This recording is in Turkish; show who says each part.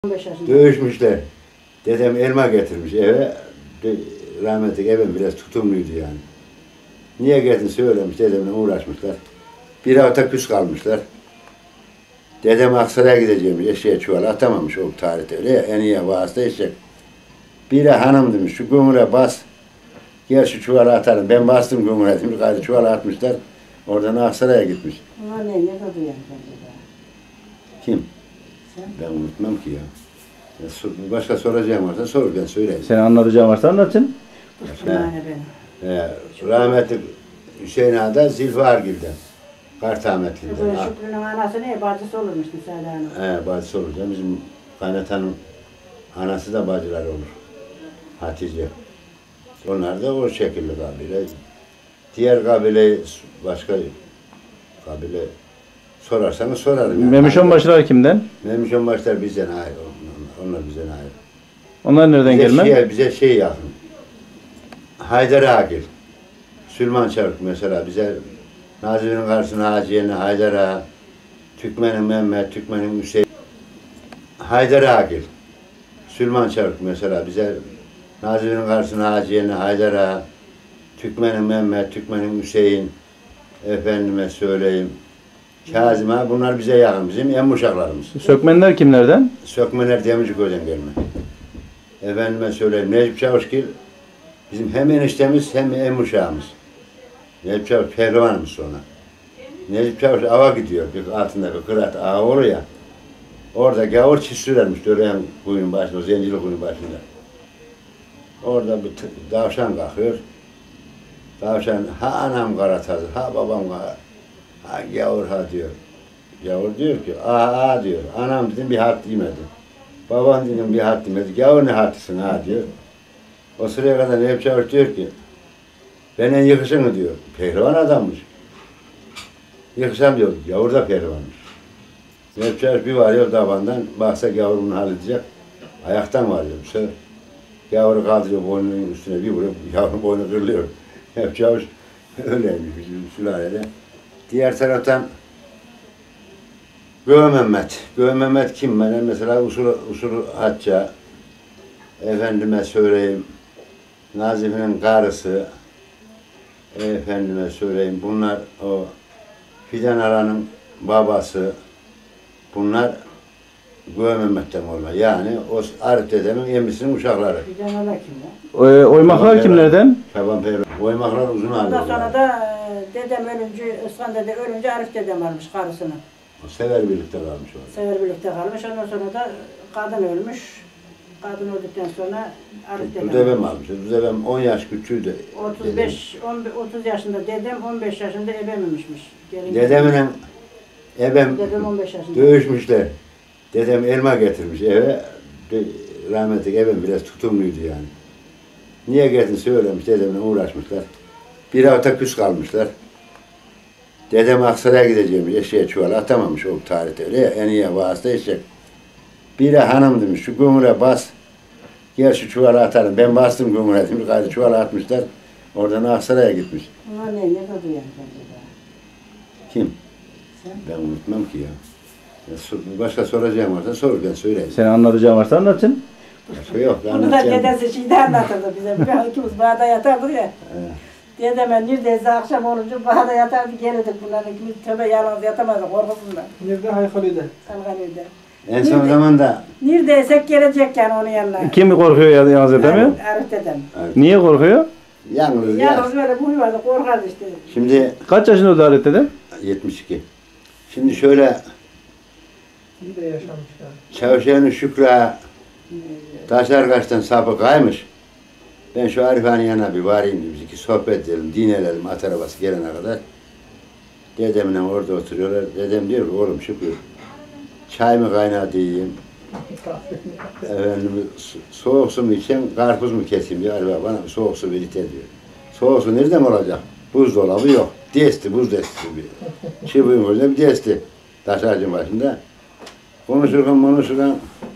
Speaker 1: 15 yaşında.
Speaker 2: Dövüşmüşler. Dedem elma getirmiş eve. Rahmetli evim biraz tutumluydu yani. Niye geldin söylemiş, dedemle uğraşmışlar. Bir hafta küs kalmışlar. Dedem Aksaray'a gideceğimiş, eşeğe çuval atamamış o tarihte öyle ya, en iyi vasıta eşek. Biri hanım demiş, şu gömüre bas, gel şu çuvala atalım. Ben bastım gömüre demiş, gayrı çuvala atmışlar. Oradan Aksaray'a gitmiş.
Speaker 1: Ama ne duyan
Speaker 2: Kim?
Speaker 1: Sen?
Speaker 2: Ben unutmam ki ya. Başka soracağım varsa sor, ben söyleyeyim.
Speaker 3: Senin anlatacağın varsa anlatın.
Speaker 1: Kuşkumane benim.
Speaker 2: Rahmetli Hüseyin Ağa'da Zilfargil'den. Kartametli'den.
Speaker 1: Şükrü'nün anası ne? Bacısı olurmuş Müsaade Hanım.
Speaker 2: Bacısı olacak. Bizim kaynatanın anası da bacılar olur. Hatice. Onlar da o şekilde kabile. Diğer kabile, başka kabile sorarsanız sorarım. Yani.
Speaker 3: Memişon başlar kimden?
Speaker 2: Memişon başlar bizden ayrı. Onlar bizden ayrı.
Speaker 3: Onlar nereden gelme?
Speaker 2: Bize şey yakın. Haydar Agil. Süleyman Çarık mesela bize Nazif'in karşısına Haciye'nin Haydar Ağa, Türkmen'in Mehmet, Türkmen'in Hüseyin. Haydar Agil. Süleyman Çarık mesela bize Nazif'in karşısına Haciye'nin Haydar Ağa, Türkmen'in Mehmet, Türkmen'in Hüseyin, efendime söyleyeyim. Kazım Ağa, bunlar bize yakın, bizim en uşaklarımız.
Speaker 3: Sökmenler kimlerden?
Speaker 2: Sökmeler Demirciköy'den gelme. Efendime söyleyeyim, Necip Çavuşgil bizim hem eniştemiz hem en uşağımız. Necip Çavuş pehlivanımız sonra. Necip Çavuş ava gidiyor, bir altında bir kırat ağa olur ya. Orada gavur çiz sürermiş, Döreyen kuyunun başında, o Zencili kuyunun başında. Orada bir tavşan kalkıyor. Tavşan, ha anam karatazı, ha babam kara. Ha gavur ha diyor. Gavur diyor ki, aa diyor. Anam dedim bir harf demedi. Babam dedim bir harf demedi. Gavur ne harfısın ha diyor. O sıraya kadar Necip Çavuş diyor ki, benden yıkışın diyor. Pehlivan adammış. Yıkışam diyor. Gavur da pehlivanmış. Necip Çavuş bir varıyor tabandan. Baksa gavur bunu halledecek. Ayaktan varıyor. Bu sefer gavuru kaldırıyor boynunun üstüne bir vuruyor. Gavurun boynu kırılıyor. Necip Çavuş öyleymiş bizim sülalede. Diğer taraftan Göğe Mehmet kim? Ben mesela usul Hatça, efendime söyleyeyim, Nazif'in karısı, efendime söyleyeyim, bunlar o Fidan Aran'ın babası, bunlar Göğe Mehmet'ten olma. Yani o Arif dedemin emisinin uşakları.
Speaker 1: Fidan Ala kim ya?
Speaker 3: Oymaklar kimlerden?
Speaker 2: Şaban Peygamber. Oymaklar uzun
Speaker 1: Ondan
Speaker 2: alıyor.
Speaker 1: sonra da dedem ölünce, Iskan dede ölünce Arif dedem almış karısını.
Speaker 2: O sever birlikte kalmış o.
Speaker 1: Sever birlikte kalmış. Ondan sonra da kadın ölmüş. Kadın öldükten sonra Arif dedem
Speaker 2: Düzebem almış. Düzebem 10 yaş küçüğüydü.
Speaker 1: 30 yaşında dedem, 15 yaşında ebememişmiş.
Speaker 2: Dedemle ebem
Speaker 1: Dedem 15 yaşında.
Speaker 2: dövüşmüşler. Dedem elma getirmiş eve. Rahmetli ebem biraz tutumluydu yani. Niye geldin söylemiş, dedemle uğraşmışlar. Bir hafta küs kalmışlar. Dedem Aksaray'a gideceğimiş, eşeğe çuval atamamış o tarihte öyle ya, en iyi vasıta eşek. Biri hanım demiş, şu gömüre bas, gel şu çuvala atalım. Ben bastım gömüre demiş, gayrı çuvala atmışlar. Oradan Aksaray'a gitmiş.
Speaker 1: Ama ne duyan
Speaker 2: Kim?
Speaker 1: Sen?
Speaker 2: Ben unutmam ki ya. Başka soracağım varsa sor, ben söyleyeyim.
Speaker 3: Senin anlatacağın varsa anlatın.
Speaker 2: Başka yok.
Speaker 1: Bunu da dedesi şeyde anlatırdı bize. Bir ikimiz bağda yatardık ya. Dedeme neredeyse akşam olunca bağda yatardı gelirdik bunların ikimiz tövbe yalnız yatamazdık korkusundan.
Speaker 4: Nerede? Haykalıydı.
Speaker 1: Salganıydı.
Speaker 2: En son zamanda
Speaker 1: Neredeyse gelecek yani onun yanına.
Speaker 3: Kim korkuyor yalnız edemiyor?
Speaker 1: Arif dedem.
Speaker 3: Niye korkuyor?
Speaker 2: yalnız ya.
Speaker 1: Yalnız böyle buyurdu korkardı işte.
Speaker 2: Şimdi
Speaker 3: Kaç yaşında öldü Halit dede?
Speaker 2: 72. Şimdi şöyle
Speaker 4: İyi de yaşamış yani.
Speaker 2: Çavuşe'nin Şükrü Taşlarkaş'tan sapı kaymış. Ben şu Arif'in yanına bir varayım dedim. Ki sohbet edelim, dinleyelim at arabası gelene kadar. Dedemle orada oturuyorlar. Dedem diyor ki oğlum Şükrü çay mı kaynatayım? Efendim, soğuk su mu içeyim, karpuz mu keseyim diyor. Arif bana soğuk su verir diyor. Soğuk su nereden olacak? Buzdolabı yok. Desti, buz desti bir. Çibuğun önünde bir desti. Taşarcın başında. Konuşurken